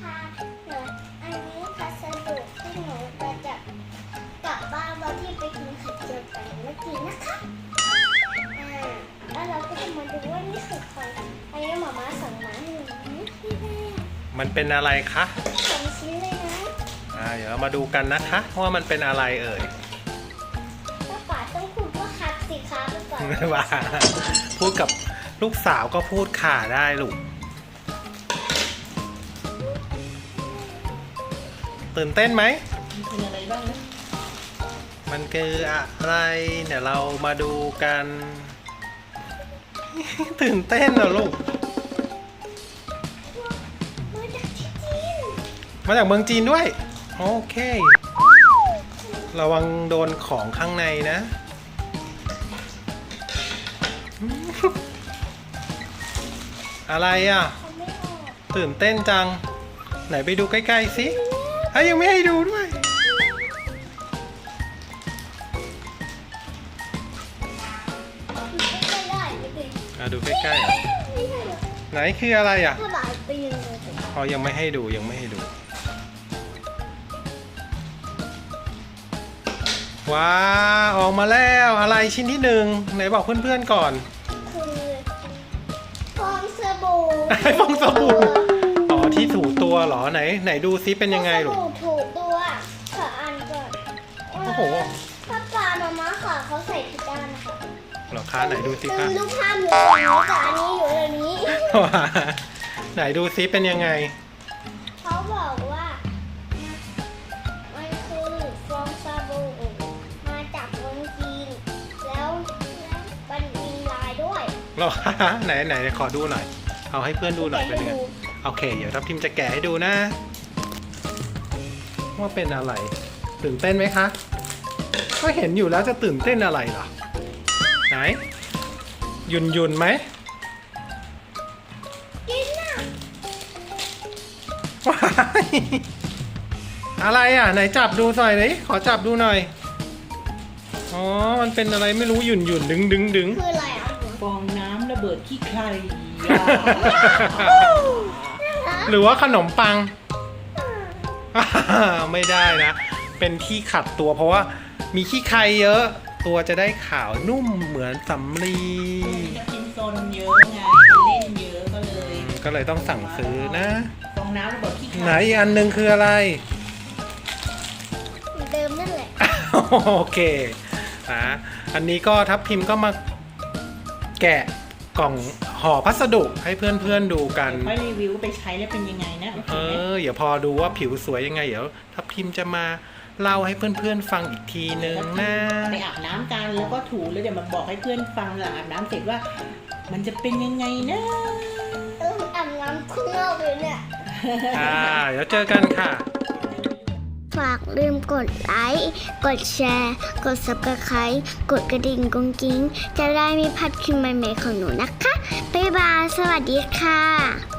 ค่ะเดี๋ยวอันนี้พัสดุที่หนูจะกลับบ้านวันที่ไปกินไข่เจียวกันเมื่อกี้นะคะแล้วเราก็จะมาดูว่านี่คือใครอันนี้หม่าสั่งมาให้หนูที่แรกมันเป็นอะไรคะ 2 ชิ้นเลยนะเดี๋ยวเรามาดูกันนะคะว่ามันเป็นอะไรเอ่ยป้าป๋าต้องพูดว่าคัดสิคะไปก่อนไม่ว่าพูดกับลูกสาวก็พูดค่ะได้ลูกตื่นเต้นไหมเป็นอะไรบ้างนะมันคืออะไรเดี๋ยวเรามาดูกัน ตื่นเต้นเหรอลูกมาจากที่จีนมาจากเมืองจีนด้วยโอเคระวังโดนของข้างในนะอะไรอ่ะเขาไม่ออกตื่นเต้นจังไหนไปดูใกล้ๆสิยังไม่ให้ดูด้วยไม่ได้ไม่ได้ดูใกล้ๆอ่ะไม่ใช่หรอกไหนคืออะไรอ่ะถ้าบาดปีนเลยยังไม่ให้ดูยังไม่ให้ดูว้าออกมาแล้วอะไรชิ้นที่หนึ่งไหนบอกเพื่อนๆก่อนคือฟองสบู่ฟองสบู่ ที่ถูตัวเหรอไหนดูซิเป็นยังไงลูกฟอสบู่ถูตัวขออ่านก่อนโอ้โหถ้าปลามาม่าค่ะเขาใส่ผิดด้านนะคะเหรอคะไหนดูซิคะรูปภาพอยู่ตรงนี้แต่อันนี้อยู่ตรงนี้ว้าไหนดูซิเป็นยังไงเขาบอกว่ามันคือฟองสบู่มาจากเมืองจีนแล้วมันมีลายด้วยเหรอไหนขอดูหน่อย เอาให้เพื่อนดูหน่อยเป็นยังไงโอเคเดี๋ยวทัพทิมจะแกะให้ดูนะ ว่าเป็นอะไร ตื่นเต้นไหมคะ ก็เห็นอยู่แล้วจะตื่นเต้นอะไรเหรอไหนยุนไหมกินน่ะว้ายอะไรอ่ะไหนจับดูหน่อยเลยขอจับดูหน่อยอ๋อมันเป็นอะไรไม่รู้หยุ่นดึงคืออะไรอ่ะฟองน้ำระเบิดขี้ใครหรือว่าขนมปัง ไม่ได้นะ เป็นที่ขัดตัวเพราะว่ามีขี้ใครเยอะ ตัวจะได้ขาวนุ่มเหมือนสำลีจะกินโซนเยอะไงเล่นเยอะก็เลยต้องสั่งซื้อนะฟองน้ำระเบิดขี้ใครไหนอีกอันหนึงคืออะไรเหมือนเดิมนั่นแหละโอเคอันนี้ก็ทัพทิมก็มาแกะกล่องห่อพัสดุให้เพื่อนๆดูกันค่อยรีวิวไปใช้แล้วเป็นยังไงนะโอเคไหมเดี๋ยวพอดูว่าผิวสวยยังไงเดี๋ยวทัพทิมจะมาเล่าให้เพื่อนๆฟังอีกทีนึงนะไปอาบน้ำกันแล้วก็ถูแล้วเดี๋ยวมาบอกให้เพื่อนฟังหลังอาบน้ำเสร็จว่า มันจะเป็นยังไงนะอาบน้ำข้างนอกเลยเนี่ยเดี๋ยวเจอกันค่ะฝากลืมกดไลค์ กดแชร์ กด Subscribe กดกระดิ่งกุ้งกิ้งจะได้ไม่พลาดคลิปใหม่ๆของหนูนะคะ บ๊ายบาย สวัสดีค่ะ